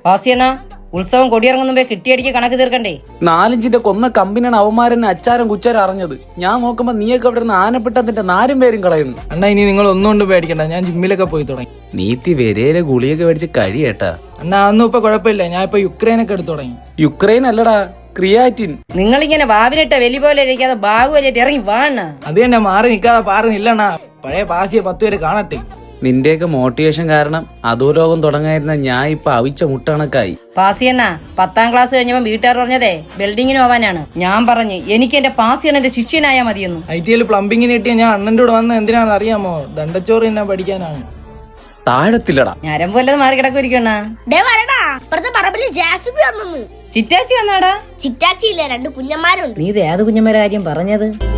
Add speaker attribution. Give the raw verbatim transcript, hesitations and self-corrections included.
Speaker 1: പാസിയണ്ണ, ഉത്സവം കൊടിയിറങ്ങുമ്പോ കിട്ടിയടിക്ക് കണക്ക് തീർക്കണ്ടേ?
Speaker 2: നാലിഞ്ചിന്റെ കൊന്ന കമ്പിനാണ് അവന്മാരെന്നെ അച്ചാരം കുച്ചാരം അറിഞ്ഞത്. ഞാൻ നോക്കുമ്പോ നീയൊക്കെ അവിടെ നിന്ന് ആനപ്പെട്ടതിന്റെ നാരും പേരും കളയുന്നു.
Speaker 3: അണ്ണാ ഇനി നിങ്ങൾ ഒന്നുകൊണ്ട് പേടിക്കണ്ട, ഞാൻ ജിമ്മിലൊക്കെ പോയി തുടങ്ങി.
Speaker 2: നീത്തി വരയിലെ ഗുളിയൊക്കെ മേടിച്ച് കഴിയേട്ടാ.
Speaker 3: അണ്ണാ അതൊന്നും ഇപ്പൊ കുഴപ്പമില്ല, ഞാൻ ഇപ്പൊ യുക്രൈനൊക്കെ എടുത്തു തുടങ്ങി.
Speaker 2: യുക്രൈൻ അല്ലടാ, ക്രിയാറ്റിൻ.
Speaker 1: നിങ്ങളിങ്ങനെ വാവിനിട്ട വലി പോലെ ഇരിക്കാതെ ബാഗു വലിയിട്ട് ഇറങ്ങി വാണ.
Speaker 3: അത് തന്നെ, മാറി നിക്കാതെ പാറുന്നില്ലണ്ണാ. പഴയ പാസിയെ പത്ത് പേര് കാണട്ടെ.
Speaker 2: നിന്റെയൊക്കെ മോട്ടിവേഷൻ കാരണം അധോലോകം തുടങ്ങായിരുന്ന ഞാൻ ഇപ്പൊ അവിച്ച മുട്ടണക്കായി.
Speaker 1: പാസിയണ്ണ, പത്താം ക്ലാസ് കഴിഞ്ഞപ്പോ വീട്ടുകാർ പറഞ്ഞതേ ബിൽഡിങ്ങിന് പോവാനാണ്. ഞാൻ പറഞ്ഞു എനിക്ക് എന്റെ പാസിയണ്ണന്റെ ശിഷ്യനായാ മതിയെന്നു.
Speaker 3: ഐ ടി എൽ പ്ലംബിങ്ങിന് കിട്ടിയ ഞാൻ അണ്ണന്റെ കൂടെ വന്ന എന്തിനാണെന്ന് അറിയാമോ? ദണ്ടച്ചോറ് തന്നെ പഠിക്കാനാണ്.
Speaker 2: താഴത്തില്ലടാ,
Speaker 1: ഞരമ്പ് വല്ലത് മാറി കിടക്കുരിക്കണ.
Speaker 4: ജാസിബി വന്നു.
Speaker 1: ചിറ്റാച്ചി വന്നാടാ?
Speaker 4: ചിറ്റാച്ചി ഇല്ല, രണ്ട് കുഞ്ഞന്മാരുണ്ട്.
Speaker 1: നീ ഇത് ഏത് കുഞ്ഞന്മാരെ കാര്യം പറഞ്ഞത്?